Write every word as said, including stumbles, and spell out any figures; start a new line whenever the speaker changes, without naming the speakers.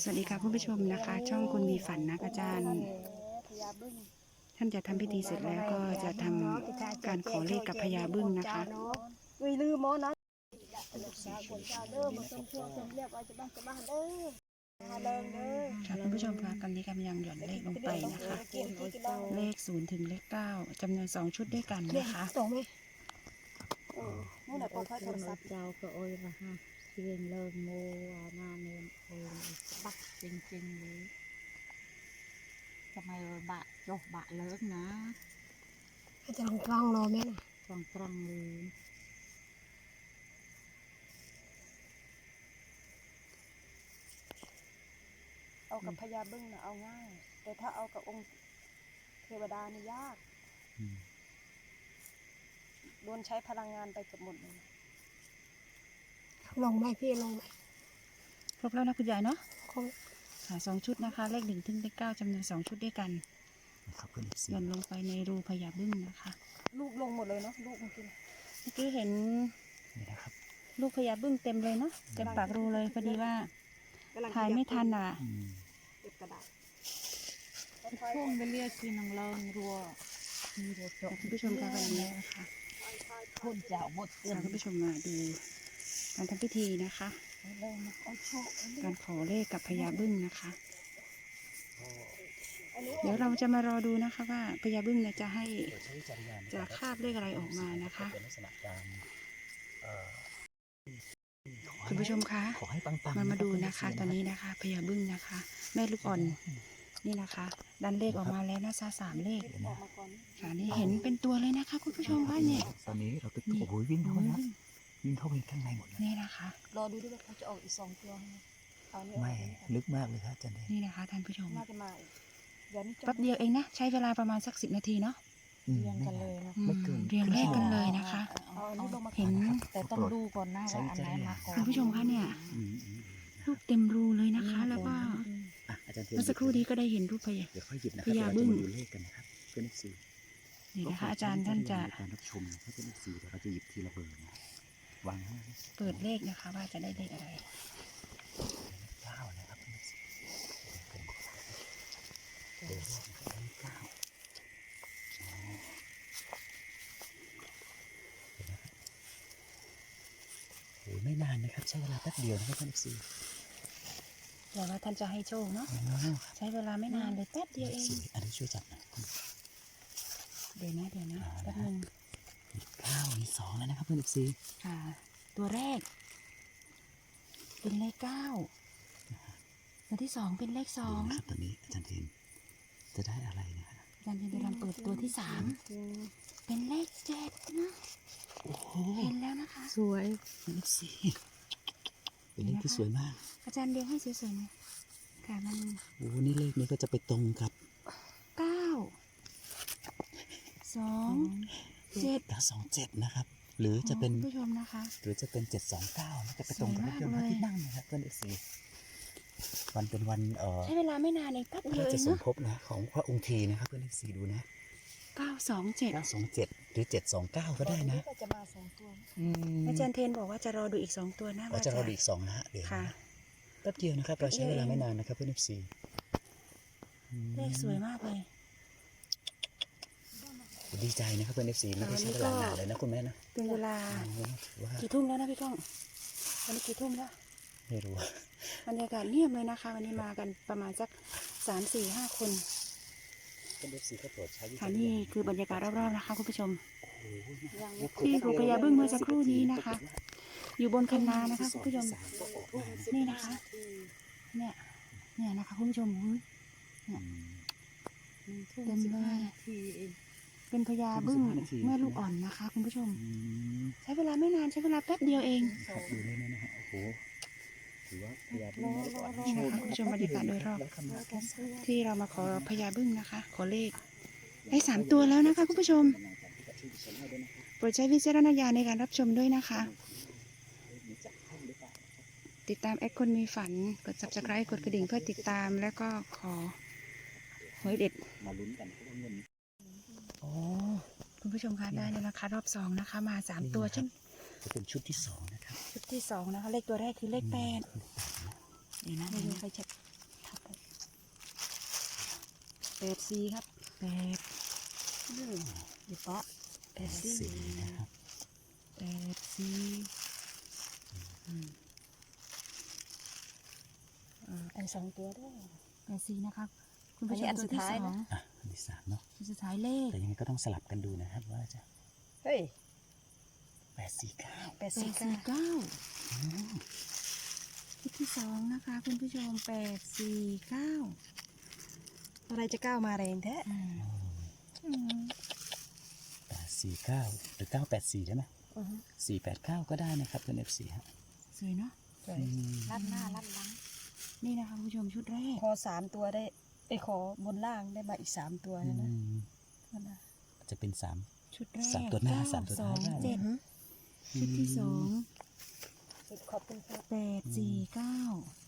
สวัสดีค่ะคุณผู้ชมนะคะช่องคุณมีฝันนะอาจารย์ท่านจะทำพิธีเสร็จแล้วก็จะทำการขอเลขกับพญาบึ้งนะคะค่ะคุณผู้ชมคะตอนนี้กำลังหย่อนเลขลงไปนะคะเลขศูนย์ถึงเลขเก้าจำนวนสองชุดด้วยกันนะคะ
นู่นแหละพอค่อยโทรศัพท์เจ้าก็โอ้ยนะฮะเพียงเลิกโมอานาเนนโอ้ยบักจริงๆเลยทำไมบะจกบะเลิกนะ
อาจารย์กล้องโลไหมนะ
ตรงตรงเลย
เอากับพญาบึ้งนะเอาง่ายแต่ถ้าเอากับองค์เทวดานี่ยากโดนใช้พลังงานไปเกือบหมดเลย
ลงไหมพี่ลงไหม
ครบแล้วนะคุณยายเนาะ
คง
ค่ะสองชุดนะคะเลขหนึ่งถึงเลขเก้าจำนวนสองชุดด้วยกันหย่อนลงไปในรูพญาบึ้งนะคะ
ลูกลงหมดเลยเนาะลูกเมื่อกี้
เมื่อกี้เห็นลูกพญาบึ้งเต็มเลยเนาะเต็มปากรูเลยพอดีว่าถ่ายไม่ทันอ่ะ
เก็บกระดาษ
ช่วงไปเรียกที่นังเลิงรัวมีเด็ก
คุณผู้ชมคะวันนี้นะคะ
คนเจ้าหมด
พาคุณผู้ชมมาดูการทำพิธีนะคะการขอเลขกับพญาบึ้งนะคะเดี๋ยวเราจะมารอดูนะคะว่าพญาบึ้งเนี่ยจะให้จะคาบเลขอะไรออกมานะคะคุณผู้ชมคะมามาดูนะคะตอนนี้นะคะพญาบึ้งนะคะแม่ลูกอ่อนนี่นะคะดันเลขออกมาแล้วนะซาสามเลขค่ะนี่เห็นเป็นตัวเลยนะคะคุณผู้ชมว่าเนี่ย
ตอนนี้เราตึกโอ้โหวิ่งเข้าไปนะวิ่งเข้าไปข้างในหมดเลย
นี่นะคะ
รอดูด้วยว่าเขาจะออกอีกสองตัว
ไม่ลึกมากเลยครับอาจารย์
นี่นะคะท่านผู้ชม
น่าจะมาอีกเดี๋ยวนี้
แป๊บเดียวเองนะใช้เวลาประมาณสักสิบนาทีเนาะ
เรียงกันเลยนะ
เรียงเลขกันเลยนะคะเห็น
แต่ต้องดูก่อนนะว่าอันไหนมาก่อน
คุณผู้ชมคะเนี่ยรูปเต็มรูเลยนะคะแล้วก็เมื่อสักครู่นี้ก็ได้เห็นรูปพญาพญาบึ้ง
ดูเลขกันนะครับเพื่อนซี
นี่นะคะอาจารย์ท่านจะ
การรับชมนะเพื่อนซีเดี๋ยวเราจะหยิบทีละเบอร์นะวางให้
เปิดเลขนะคะว่าจะได้เลขอะไร
เก้านะครับเพื่อนซีเบอร์แรกนะครับเก้าโอ้ไม่นานนะครับใช้เวลาแป๊บเดียวนะครับเพื่อนซี
เดี๋ยวว่าท่านจะให้โชคเนาะใช้เวลาไม่นานเลยแป๊บเดียวเอง
อันนี้ช่วยจับหน่อย
เดี๋ยวนะเดี๋ยวนะแป๊บนึง
เก้ามีสองแล้วนะครับเพื่อนซี
ค่ะตัวแรกเป็นเลขเก้าตัวที่สองเป็นเลขสอง
ครับตอนนี้อาจารย์เทนจะได้อะไรนะครับ
อาจารย์เทนจะลองเปิดตัวที่สามเป็นเลขเจ็ดนะเห็นแล้วนะคะ
สวย
เลขสี่เป็นเลขที่สวยมาก
อาจารย์เรียงให้สวยๆนะค่ะมัน
โอ้นี่เลขนี้ก็จะไปตรงกับ
เก้าสองเจ็ด
เก้าสองเจ็ดนะครับหรือจะเป็น
ผู้ชมนะคะ
หรือจะเป็นเจ็ดสองเก้าจะไปตรงกับเลขพระที่นั่งนะครับเพื่อนเอฟซีวันเป็นวันเอ่อ
ใช้เวลาไม่นานเองแป๊บเดียวเอง
จะสมภพนะของพระองค์ทีนะครับเพื่อนเอฟซีดูนะ
เก้าสองเจ็ด
เก้าสองเจ็ดหรือเจ็ดสองเก้าก็ได้นะ
จะมาสองตัว
อาจารย์เทนบอกว่าจะรอดูอีกสองตัวนะ
ว่าจะรอดูอีกสองนะฮะเดี๋ยวแป๊บเดียวนะครับเราใช้เวลาไม่นานนะครับเพื่อนเอฟซี
เลขสวยมากเลย
ดีใจนะครับเพื่อนเอฟซีไม่ได้ใช้เวลานานเลยนะคุณแม่นะ
เป็นเวลากี่ทุ่มแล้วนะพี่ก้องวันนี้กี่ทุ่มแล้ว
ไม่รู้
บรรยากาศเงียบเลยนะคะวันนี้มากันประมาณสักสามสี่ห้าคนค่ะนี่คือบรรยากาศรอบๆนะคะคุณผู้ชมที่รูพญาบึ้งเมื่อสักครู่นี้นะคะอยู่บนคันนานะคะคุณผู้ชมนี่นะคะเนี่ยเนี่ยนะคะคุณผู้ชมเนี่ยเต็มเลยเป็นพญาบึ้งแม่ลูกอ่อนนะคะคุณผู้ชมใช้เวลาไม่นานใช้เวลาแป๊บเดียวเอง
ดูนี่นะฮะโอ้โหถือว่าพญาบึ้ง
นี่นะคะคุณผู้ชมบรรยากาศโดยรอบที่เรามาขอพญาบึ้งนะคะขอเลขได้สามตัวแล้วนะคะคุณผู้ชมโปรดใช้วิจารณญาณในการรับชมด้วยนะคะติดตามแอคคนมีฝันกด ซับสไครบ์ กดกระดิ่งเพื่อติดตามแล้วก็ขอหวยเด็ด
มาลุ้นกัน
โอ้คุณผู้ชมคะได้แล้วนะคะรอบสองนะคะมาสามตัวเช่น
จะเป็นชุดที่สองนะครับ
ชุดที่สองนะคะเลขตัวแรกคือเลขแปดนี่นะ
ไม่รู้ใครจะแปดสี่ครับ
แปด
อีปะ
แปดสี่
สี่นะครับ
แปดสี่อืม
อ่าอันสองตัวด้วย
แปดสี่นะคะคุณผู้ช
อัน
ม
นี้อัน
ตัว
สุด
ที่
ท้าย
สอ
นะ
ง
อ่ะอันที่สามเนาะ
ตัวสุดท้ายเลข
แต่ยังไงก็ต้องสลับกันดูนะครับว่าจะ
เฮ้ย
แปดสี่เก้า
แปด
แป
สี่
ด
เก้า
สี่เก้าชุดที่สองนะคะคุณผู้ชมแปดสี่เก้า
อะไรจะก้าวมาแรงแท้
อืม
อืม
แปดสี่เก้าหรือเก้าแปดสี่ใช่ไหม
อือฮึ
สี่แปดเก้าก็ได้นะครับเป็นเอฟซีฮะ
สวยเนาะ
สวย
อืม
ลัดหน้าลัดหลัง
นี่นะคะคุณผู้ชมชุดแรก
ขอสามตัวได้ไอยขอบนล่างได้มาอีกสามตัว
อื
นะนะ
ม
นั่นนะ
จะเป็นสาม
ชุดแรก
สามตัวหน้า
เก้
สามตัวท้าย
สอง
ได้
เจ็ด
อือฮึ
ชุดที่สอง
ขอบคุณครับ
แปดสี่เก้า